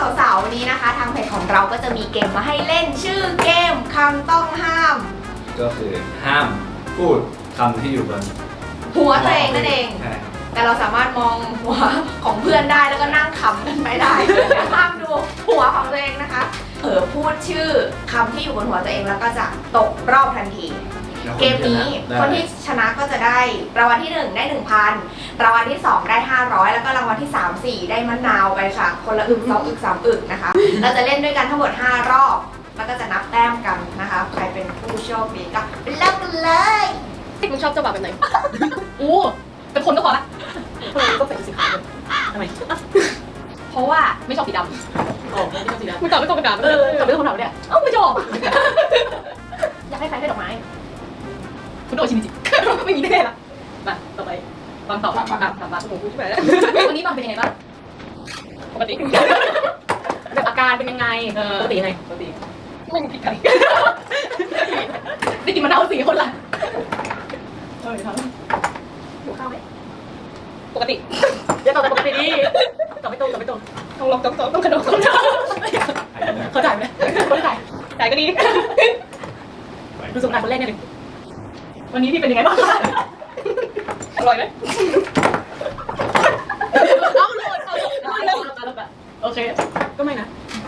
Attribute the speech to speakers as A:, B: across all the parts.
A: สาวๆวันนี้นะคะทางเพจของเราก็จะมีเกมมาให้เล่นชื่อเกมคำต้องห้าม
B: ก็คือห้ามพูดคำที่อยู่บน
A: หัวตัวเองนั่นเองแต่เราสามารถมองหัวของเพื่อนได้แล้วก็นั่งขำกันไม่ได้ห้ามดูหัวของตัวเองนะคะพูดชื่อคำที่อยู่บนหัวตัวเองแล้วก็จะตกรอบทันทีเกมนี้คนที่ชนะก็จะได้รางวัลที่1ได้ 1,000 รางวัลที่2ได้500แล้วก็รางวัลที่3 4ได้มะนาวไปค่ะคนละอึก2อึก3อึกนะคะเราจะเล่นด้วยกันทั้งหมด5รอบแล้วก็จะนับแต้มกันนะคะใครเป็นผู้โชคดีก็ไปเริ่มกันเลย
C: มึงชอบเจ้าบ่าวแบบไหนอู้เป็นคนก็พอละก็ใส่สีขาวทำไมเพราะว่าไม่ชอบสีดำอ๋อไม่ชอบสีดำมึงตอบไม่ตรงกันตอบไม่ตรงคำถามเนี่ยไม่ชอบอยากให้ใครให้ดอกไม้คุณโดชิมิจิไม่มีแน่ละมาต่อไปบางตอบถามมาผมพูดใช่ไหมวันนี้บางเป็นยังไงบ้างปกติแบบอาการเป็นยังไงปกติยังไงปกติไม่มีผิดกันได้กินมะนาว4 คนละเดี๋ยวทำหิวข้าวไหมปกติอย่าตอบแต่ปกติดิตอบไม่ตรงต้องลองต้องกระโดดเขาจ่ายไหมเขาจ่ายก็ดีดูสงกรานต์คนแรกเนี่ยเลยวันนี้พี่เป็นยังไงบ้างอร่อยไหมเอาโอเคก็ไม่นะ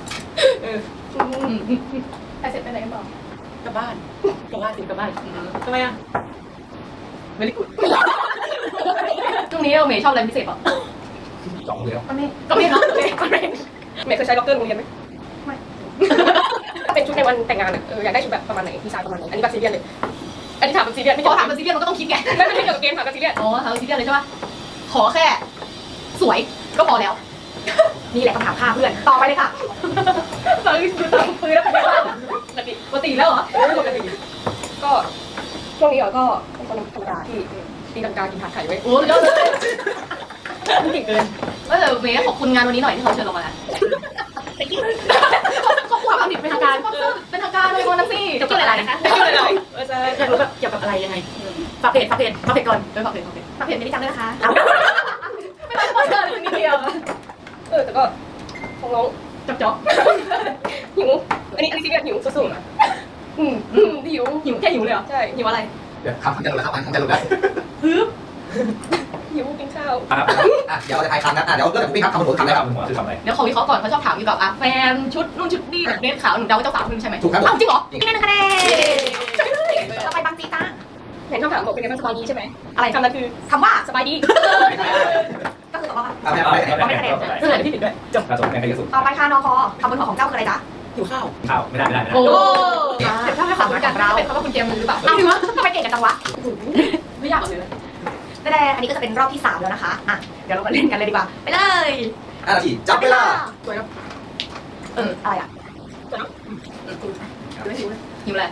C: ไปเสร็จไปไหนกันต่อกลับบ้านทำไมอ่ะไม่ได้กุดช่วงนี้เมย์ชอบอะไรพิเศษป่ะ
B: สองเดียว
C: ก็ไม่เนาะเมย์เคยใช้ล็อกเกอร์โรงเรียนไหมไม่เป็นชุดในวันแต่งงานอยากได้ชุดแบบประมาณไหนดีไซน์ประมาณไหนอันนี้แบบซีเรียสเลยอันนี้ถามแบบซีเรียสไม่ถามแบบซีเรียสมันก็ต้องคิดไงไม่เกี่ยวกับเกมถามแบบซีเรียสถามแบบซีเรียสเลยใช่ป่ะขอแค่สวยก็พอแล้วนี่แหละคำถามฆ่าเพื่อนต่อไปเลยค่ะตอนนี้ดูตามปืนแล้วเป็นยังไงปกติแล้วเหรอปกติก็ช่วงนี้ก็เป็นคนธรรมดาที่ตีลังกากินผัดไข่ไว้โอ้ยอดเลยเก่งเกินก็เลยเมย์ขอบคุณงานวันนี้หน่อยที่เขาเชิญเรามาขอบคุณความผิดเป็นทางการเป็นทางการเลยวันนั้นสิจะพูดอะไรนะคะจะพูดอะไรจะอยากรู้แบบเกี่ยวกับอะไรยังไงฝากเพจก่อนฝากเพจไม่ได้จำได้นะคะไม่ต้องเปิดเลยนิดเดียวแต่ก็ของน้องจ๊อบหิวอันนี้ซีเรียสหิวสุดๆหิวแค่หิวเลยเหรอใช่หิวอะไร
B: เดี๋ยวคำจะรู้แล้วคำจะรู้แล้ว
C: หิวกินข้าว
B: เดี๋ยวเราจะทายคำนะเดี๋ยวเริ่มจากพี่ครับคำบนหัวคำแรกครับคือคำอะไร
C: เดี๋ยวขอวิเคราะห์ก่อนเขาชอบถามเกี่ยวกับแฟนชุดนู่นชุดนี่แบบเดรสขาวหนูเดาว่าเจ้าสาวคุณใช่ไหม
B: ถูกครับ
C: จริงเหรอ
A: นี่1 คะแนนต่อไปบางจีต้า
C: เห็นคำถามบอกเป็นไงบ้างสบายดีใช่ไหมอะไรคำนั้นคือ
A: คำว่า
C: สบายดี
A: ก็คือตอบว่า
B: ไม่
C: คะแนนเพื่อนที่ผิดด้วยจบ
B: ในใครจะสุด
A: ต่อไปค่ะนคคำบนหัวของเจ้าคืออะไรจ๊ะ
C: หิวข้าว
B: ไม่ได้
C: โอ้เดี๋ยวถ้าไม่ขำเหมือนกันเราเป็นเพราะว่าคุณเจมส์หรือเปล่า
A: เอาทำไมเก่งกันจังวะ
C: ไม่ยากเลย
A: แต่อันนี้ก็จะเป็นรอบที่3แล้วนะคะเดี๋ยวเรามาเล่นกันเลยดีกว่าไปเลย
B: ทีจับเวลา
C: สวยครับ
A: อะไรอ่ะ
C: หิวอะไร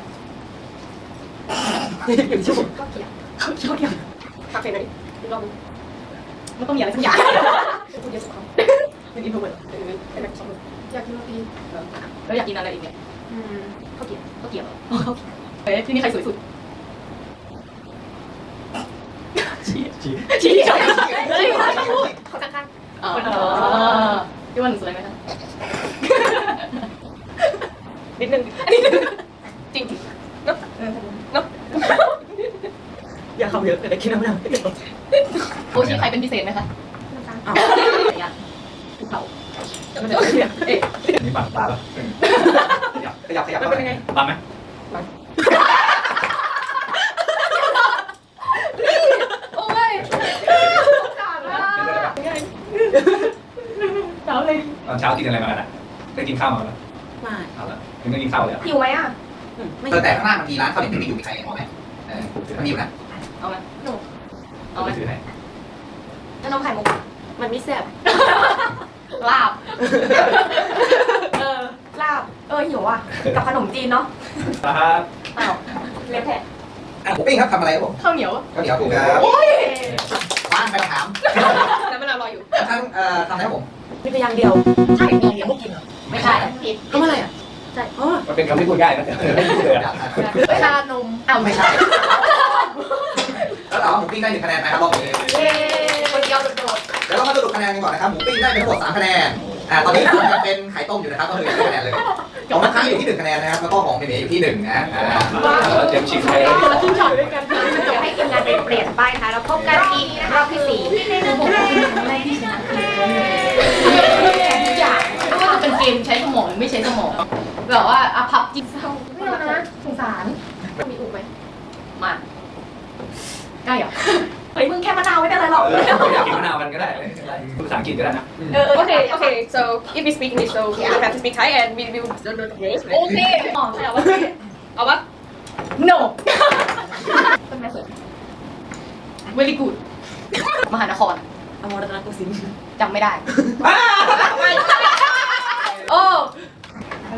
C: หิวชุ่มก็เกี่ยวคาเฟ่ไหนอีกรอบนึงมันต้องมีอะไรสักอย่างพูดเยอะสุดเขาเป็นอินโทรเวิร์ตเป็นแบบชอบอยากกินโรตีแล้วอยากกินอะไรอีกเนี่ยข้าวเกี๊ยวที่นี่ใครสวยสุดชี้
A: เขาข้าง
C: พี่ว่าหนูสวยไหมคะนิดนึงจริงเนาะอย่าเข้าเยอะแต่คิดน้ำหนักโอชิใครเป็นพิเศษไหมคะถูกเผามันจะ
B: นี่ปังตาขยับ
C: เป็นยังไง
B: ปังไหม
A: โอ้ยขาดมาก
C: เช้าเลย
B: ตอนเช้ากินอะไรมากันได้กินข้าวมาแล้ว
C: ไม่
B: เอาละยังไม่กินข้าวเลย
A: หิวไหม
B: แต่ข้างหน้ามันมีร้านข้าวเหนียวไม่อยู่มีใครเอาไหมมันมีอยู่นะ
C: เอาไหม
B: เอาไปถือให้
A: แล้วน้องไข่มุก
C: มันไม่แซ่บ
A: ลาบหิวอ่ะกับขนมจีนเนาะเล็บแผล
B: หมูปิ้งครับทำอะไรครับผม
C: ข้าวเหนียว
B: ถูกครับว่างไปถาม
C: แล้วมันรออยู่
B: ทั้งทำอะไรครับผม
C: มีเพียงเดียวใช่มีเดียวพวกกินเหรอไม่ใช่ผิดก็อะไรอ่ะใช่
B: มันเป็นคำที่พูดง่ายนะไม่พูดเลย
A: ชานม
B: ไม่ใช่แล้วเราหมูปิ้งได้1 คะแนนนะครับบอกเลย
A: คนเดียวโดด
B: เดี๋ยวเรามาสรุปคะแนนกันก่อนนะครับหมูปิ้งได้เป็นทั้งหมด3 คะแนนตอนนี้ยังเป็นไข่ต้มอยู่นะครับก็คือ1คะแนนเลยของน้ำค้างอยู่ที่1คะแนนนะครับแล้วก็ของเมย์อยู่ที่1นะ
D: เตรียมชิงไข่แล้ว
C: คนละครึ่งช็อตด้วยกัน
A: เดี๋ยวให้ทีมงานไปเปลี่ยนป้ายนะคะแล้วพบกันอีกรอบที่4
E: ทุกอย่างไม่ว่าจะเป็นเกมใช้สมองหรือไม่ใช้สมองแบบว่าอภัพจิตเศร้า
A: ไม่เอานะสงสารมีอุกไหม
E: มาใกล้เหรอ
A: เฮ้ยมึงแค่มะนาวไม่เป็นไรหรอก
D: อยากกินมะนาวกันก็ได้พูดภาษาอังกฤษก็ได้นะ
C: Okay, so if we speak English, so we have to speak Thai and we will. Okay.
E: อ๋อใช่เหรอวะ
C: เอาปะ
E: no
A: ต้นไม้สวย
E: very good มหานคร
C: อมรรัตนโกสินทร์
E: จำไม่ได้ โอ้
A: อะไร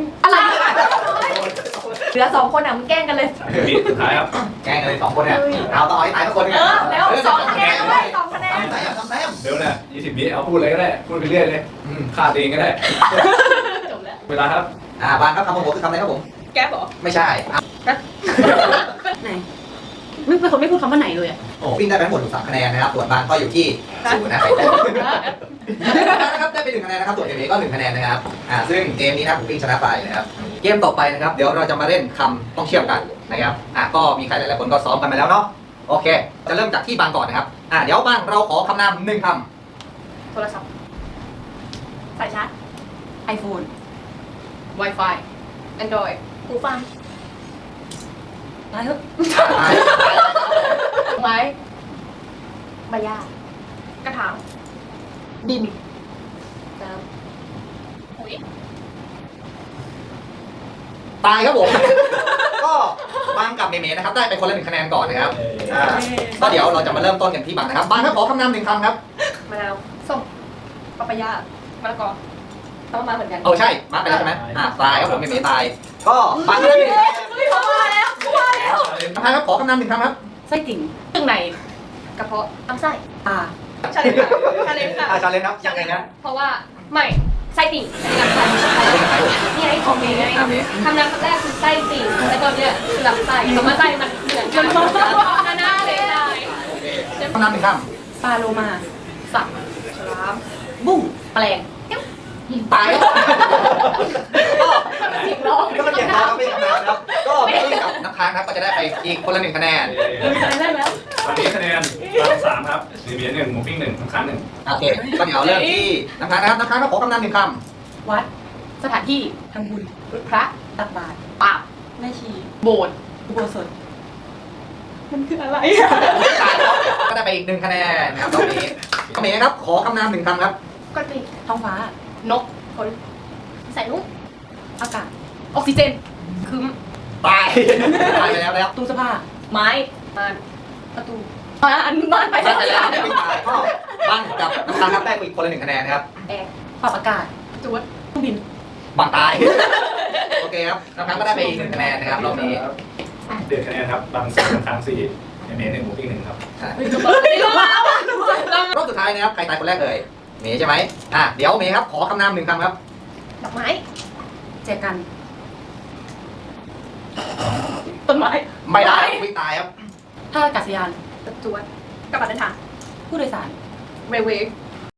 A: เหลือ2คนอ่ะมึงแกล้งกันเลย
D: วิสุดท้ายครับ
B: แกงกันเลย2คนเนี่ยเอาต่อให้ตายสักคนนึง
A: แล้ว2คะแนนเลย2คะแนน
B: ทำแต้มทำแต้ม
D: เดี๋ยวนะ20 วิเอาพูดเลยก็ได้พูดไปเรื่อยเลยฆ่าตัวเองก็ได้
E: จบแล้ว
D: เวลาครับ
B: บางครับคำของผมคือคำอะไรครับผม
C: แก๊ปเหรอ
B: ไม่ใช่
C: ไหนไม่เป็นคนไม่พูดคำว่าไหนเลยอ่ะ
B: โอ้ปิ้งได้ไปทั้งหมด3คะแนนนะครับส่วนบางก็อยู่ที่0นะไข่ต้มนะครับได้ไป1คะแนนนะครับส่วนเมย์ก็1คะแนนนะครับซึ่งเกมนี้นะผมปิ้งชนะไปนะครับเกมต่อไปนะครับเดี๋ยวเราจะมาเล่นคำต้องเชื่อมกันนะครับก็มีใครหลายๆคนก็ซ้อมกันมาแล้วเนาะโอเคจะเริ่มจากที่บางก่อนนะครับเดี๋ยวบางเราขอคำนาม1คำ
C: โทรศัพท์
A: สายชาร์จ
E: iPhone
C: Wi-Fi Android
A: หูฟัง
E: ตายเถอะ
C: ไม้
A: ใบหญ้าก
C: ระถาง
E: ดิน
C: น้ำปุ๋ย
B: ตายครับผม ก็บางกับเมย์นะครับได้ไปคนละ1คะแนนก่อนนะครับก็เดี๋ยวเราจะมาเริ่มต้นกันที่บางนะครับบางครับขอคำนาม1คำครับ
C: มะนาวส้มปาปายามะละกอต้องมาเหมือนกัน
B: ใช่มาร์คไปแล้วใช่ไหมตายครับผมเมย์ตายก็บางก็ได้ไป1คะแนน ครับขอคำนาม1คำครับ
E: ไส้ติ่งเครื่องใน
C: กระเพาะ
A: ลำไส้
E: ตา
C: ชาเลนจ์ค่ะชาเลนจ์ค่ะ
B: ชาเลนจ์ครับยังไงนะ
C: เพราะว่าไม่ไส้ติ่งลำไส้
A: นี่ไอ้ของเมย์ไง
C: คำนามคำแรกคือไส้ติ่งแล้วก็เนี่ยคือลำไส้คำว่าไส้มันเหมือนกันน่าเลยได้
B: คำนาม1ค
E: ปลาโลมาสับ
C: ฉลาม
E: บุ้งแปลง
B: ำตายครับก็มันเสียงร้องไม่คำนามครับก็พี่กับน้ำค้างครับก็จะได้ไปอีกคนละ1คะแนน
E: ได้แล้ว
D: วันนี้คะแนนบาง3ครับซีเบีย1หมูปิ้ง1น้ำค้าง1
B: โอเคก็เดี๋ยวเริ่มที่น้ำค้างนะครับน้ำค้างครับขอคำนาม1ค
E: วัดสถานที่ทำบุญพระตักบาตรปาบแม่ชีโบสถ์อุโบสถมันคืออะไรอะ
B: ำก็ได้ไปอีก1คะแนนนะครับตอนนี้เมย์ครับขอคำนาม1คำครับ
A: ก้อนปี
E: ท้องฟ้านกคน
A: ใส่ลูก
E: อากาศออกซิเจนคืม
B: ตายตายไปแล้ว
E: ตู้เสื้อผ้าไม้
C: มัน
E: ประตูอันบ้านไป
B: ตายไปแล้วไม่ตายก็บ้านกับน้ำค้างครับได้ไปอีกคนละ1คะแนนนะครับ
C: แอร์
E: ปรับอากาศ
C: จวด
E: เครื่องบิน
B: บางตายโอเคครับน้ำค้างก็ได้ไปอีก1คะแนนนะครับรอบนี้
D: เดือดคะแนนครับบาง3น้ำค้าง4เมย์1หมูปิ้ง1ครับ
B: รอบสุดท้ายนะครับใครตายคนแรกเลยเมย์ใช่ไหมเดี๋ยวเมย์ครับขอคำนาม1คำครับ
A: ดอกไม้
E: แจกันต้นไม้
B: ไม่ได้ไม่ตายครับ
E: ท่าอากาศยาน
C: จวดกระบะเดินทาง
E: ผู้โดยสาร
C: เรเวย์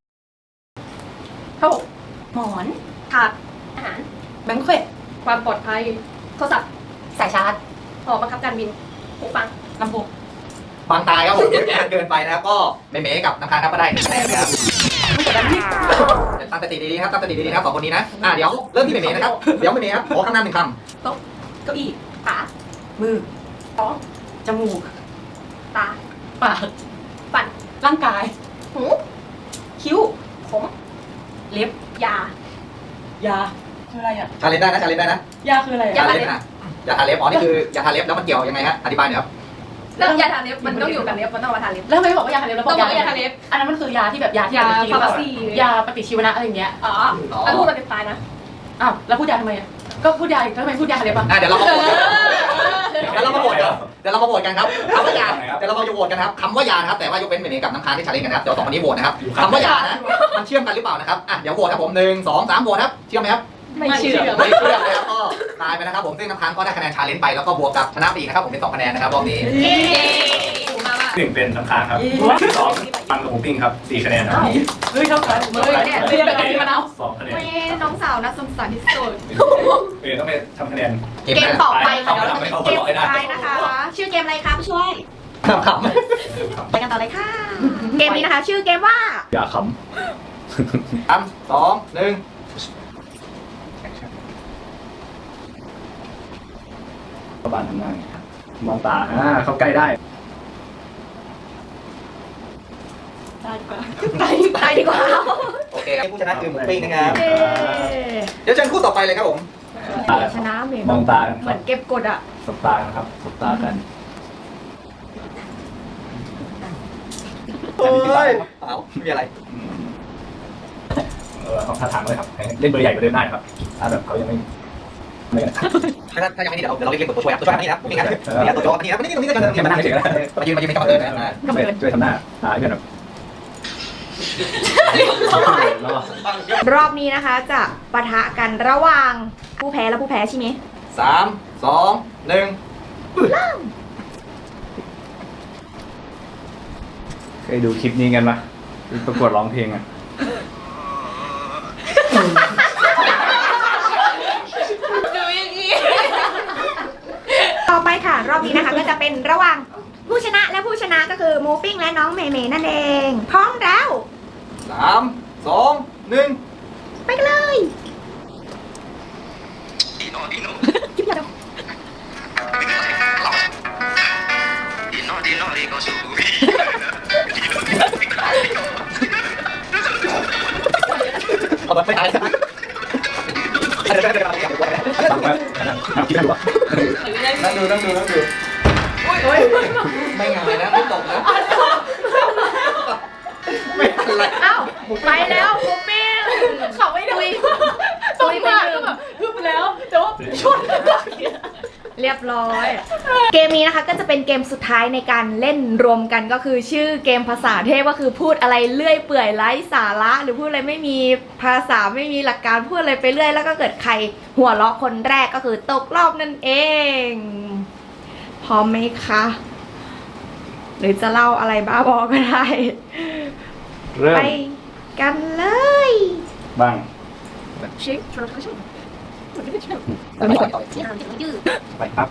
C: ผ้าห่ม
E: หมอน
C: ถาดอาหาร
E: แบงค์เควต
C: ความปลอดภัยโทรศัพท์
E: สายชาร์จ
C: หอบังคับการบินหูฟัง
E: ลำโพง
B: บางตายครับผมเยอะแยะเกินไปนะครับก็เมย์กับน้ำค้างครับก็ได้1คะแนนนะครับตั้งสติดีๆนะครับตั้งสติดีๆนะครับ2คนนี้นะเดี๋ยวเริ่มที่เมย์นะครับเดี๋ยวเมย์ครับขอคำนาม1คำ
E: เก้าอี้
C: ขา
E: มือ
C: ท้อง
E: จมูก
C: ตา
E: ปาก
C: ฟัน
E: ร่างกาย
C: หู
E: คิ้ว
C: ผม
E: เล็บ
C: ยาย
E: าคืออะไรอ่ะ
B: ชาเลนจ์ได้นะชาเลนจ์ได้นะ
E: ยาคืออะไร
B: ชา
E: อ่ะ
B: เลนจ์อย่าทาเล็บอ๋อนี่คืออย่าทาเล็บแล้วมันเกี่ยวยังไงฮะอธิบายหน่อยครับ
C: แล้วยาทาเล็บมันต้องอยู่กับเล็บมันต้องเอามาทาเล็บ
E: แล้วทำไมไม่บอกว่ายาทาเล็บแล้วบ
C: ต้
E: อ
C: อง
E: ก
C: บอกว่ายาทาเล็บ
E: อันนั้นมันคือยาที่แบบยาที่
C: ยา
E: แบบกินแล้วแบบ
C: ฟาร์มาซี่
E: ยาปฏิชีวนะอะไรอย่างเงี้ย
C: อ๋อแล้วพูดมันเป็นตายนะ
E: อ้าวแล้วพูดยาทำไมอ่ะก็พูดยาทำไมพูดยาทาเล็บอ่ะ
B: เดี๋ยวเรามาโหวตกันเดี๋ยวเรามาโหวตกันครับคำว่ายาเดี๋ยวเรามาโหวตกันครับคำว่ายานะครับแต่ว่ายกเว้นเมย์กับน้ำค้างที่ชาเลนจ์กันนะครับเดี๋ยว2คนนี้โหวตนะครับคำว่ายานะมันเชื่อมกันหรือเปล่านะครับเดี๋ยวโหวตครับผม1 2 3โหวตครับเชื่อมไหมครับ
E: ไม่เชื่อ
B: ไม่เชื่อเลยครับก็ตายไปนะครับผมซึ่งน้ำค้างก็ได้คะแนนชาเลนจ์ไปแล้วก็บวกกับชนะไปอีกนะครับผมเป็น2คะแนนนะครับรอบนี้
C: ถูกมาก
D: 1เป็นน้ำค้างครับ2ปังกับหมูปิ้งครับ4คะแนนครับ
E: เฮ้ยเท่ากันเนี่ยเรียกอะไรมะนาว
D: 2คะแนน
A: ไม่น้องสาวน่าสงสารที่สุด
D: ต้องไปทำคะแนน
A: เกมต่อไปค่ะเดี๋ยวเราจะเป็นเกมสุดท้ายนะคะ ชื่อเกมอะไรคะผู้ช่วย
B: ขำ
A: ไปกันต่อเลยค่ะ เกมนี้นะคะ ชื่อเกมว่า
D: อย่าข
B: 3 2 1
D: ำประบานทำงานมองตาเข้าใกล้ได้
A: ตายดีกว่า
B: โอเคผู้ชนะคือหมูปิ้งนะครับ
A: เย้
B: เดี๋ยวเชิญคู่ต่อไปเลยครับผม
A: ชนะเหมือน
D: มองตากัน
A: เหมือนเก็บกดอะ
D: สบตานะครับสบตากัน
B: เฮ้ยเปล่าไม่มีอะไร
D: ของท่าทางเลยครับเล่นเบอร์ใหญ่กว่าเดิมได้ครับถ้าแบบเขายังไม่
B: ถ้ายังไม่นี่เดี๋ยวเราเรียกตัวช่วยครับตัวช่วยมานี่นะนี่นะนี่ตัวโจ๊กมานี่นะมานี่ตรงนี้กัน
D: แค่มานั่งเฉยๆนะ
B: มายืนเป็นกรรมการนะ
D: ช่วยทำหน้าเพื่อนแบบ
A: รอบนี้นะคะจะปะทะกันระหว่างผู้แพ้และผู้แพ้ใช่ไหม
B: 3 2 1
D: เคยดูคลิปนี้กันปะประกวดร้องเพลงอ่ะ
A: ต่อไปค่ะ รอบนี้นะคะก็จะเป็นระหว่างผู้ชนะและผู้ชนะก็คือหมูปิ้งและน้องเมย์นั่นเอง พร้อมแล้ว
B: 3 2 1
A: ไปกันเลย
B: เอาแบบไม่ตายนะเดี๋ยวนั่งดูไม่งายนะไม่ตกนะไม่อะไร
A: เอ้าไปแล้วหมูปิ้ง
E: เขาไม่ดูตรงมาก็แบบฮึบแล้วแต่ว่าชน
A: เรียบร้อย เกมนี้นะคะก็จะเป็นเกมสุดท้ายในการเล่นรวมกันก็คือชื่อเกมภาษาเทพก็คือพูดอะไรเลื่อยเปื่อยไร้สาระ หรือพูดอะไรไม่มีภาษาไม่มีหลักการพูดอะไรไปเรื่อยแล้วก็เกิดใครหัวเราะคนแรกก็คือตกรอบนั่นเองพร้อมไหมคะหรือจะเล่าอะไรบ้าบอก็ได้
D: เริ่ม
A: ไปกันเลย
D: บ้าง
A: ชิคชวนเขาชิค
D: ไปครับ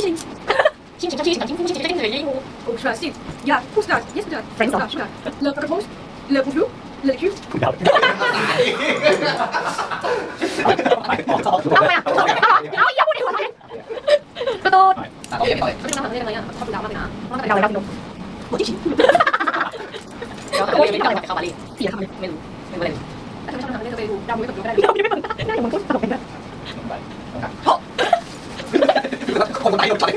A: เอาไปอ่ะเอาอย่าพูดในหัวเลยกระโดดเราเราดู
B: คนตายหมดเลย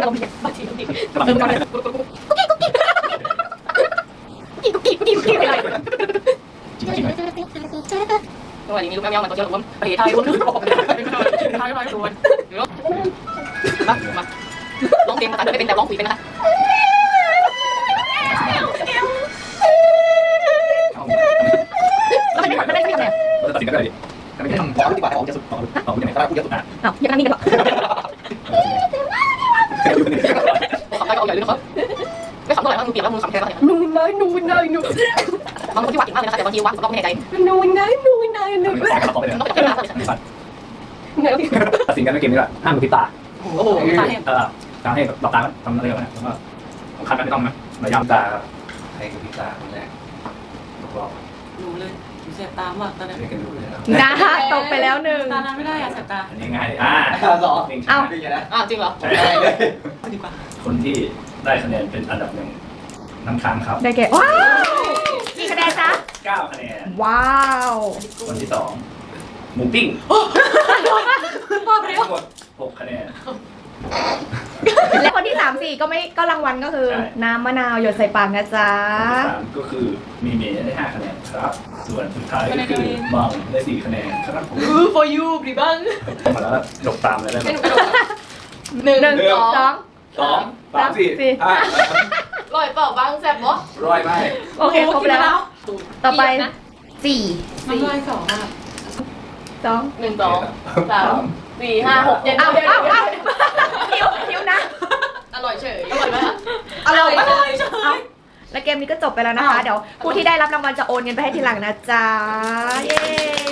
C: ตัวนี้มีลูกแมวมันตัวเดียวผมประเทศไทยวนไทยวนมาร้องเพลงภาษาไม่เป็นแต่ร้องคุยเป็นนะคะ แล้วมันไม่ทำอะไร
D: ตัดสินกันเลยดิ
B: ไม่ทำของดีกว่าของจะสุดของจะไหนก็ได้พูดเยอะสุด
A: อ้าวอย่านั่งนิ่งกันหรอ
C: ขำไปเอาใหญ่เลยครับไม่ขำเท่าไหร่ถ้ามือเปียกแล้วมือขำแค่ไหนบางคนที่วาดเก่งมากเลยนะคะแต่บางทีวาดเราไม่แน่ใจต้องเป็น
D: ตัดสินกันไม่เกมนี้แหละห้ามดูทิศตา
C: โอ้โหตาเนี่ย
D: ทำให้หลับตาทำอะไรกันนะแล้วก็ของคันไม่ต้องนะระยำตาใครดูทิศตาคนแรกบอก
E: หนูเลยเสียบตามากตอนนี้
D: เรียกกันดูเลยครับ
A: นะตกไปแล้วหนึ่ง
E: ตานั้นไม่ได้อะเสียบตา
D: อันนี้ง่าย
B: สอง
A: เอ้า
B: ดีนะ
C: อ้าวจริงเหรอ
D: ใช่
B: เลย
E: ดีกว่า
D: คนที่ได้คะแนนเป็นอันดับหนึ่งน้ำค้างครับ
A: ได้แก่ว้าวกี่คะแนนจ๊ะ
D: 9 คะแนน
A: ว้าว
D: คนที่2หมูปิ้ง
E: พ่อไปแล้ว
D: ทั้งหมด6 คะแนน
A: และคนที่3 4ก็รางวัลก็คือ
D: ใช่
A: น้ำมะนาวหยดใส่ปากนะจ๊ะ
D: คนที่3ก็คือมีเมย์ได้ 5 คะแนนครับ ส่วนสุดท้ายก็คือบังได้ 4 คะแนนครับผม
E: for you บริบัง
D: มาแล้วจบตามเลยได้ไหม
A: หนึ่งสอง
D: 2 3 4 5
C: ลอยเปล่าบ้างแซ่บบ่
D: ร้อยไหม
A: โอเคครบแล้ว ต่อไป4
E: น้ำลายสองอ่ะ
A: 2
C: 1 2 3 4 5 6 7
A: เอาคิวนะ
C: อร่อยเฉยอร่อยไหม
A: อร่อย
E: อร่อยเฉย
A: และเกมนี้ก็จบไปแล้วนะคะ เดี๋ยวผู้ที่ได้รับรางวัลจะโอนเงินไปให้ทีหลังนะจ๊ะ เย้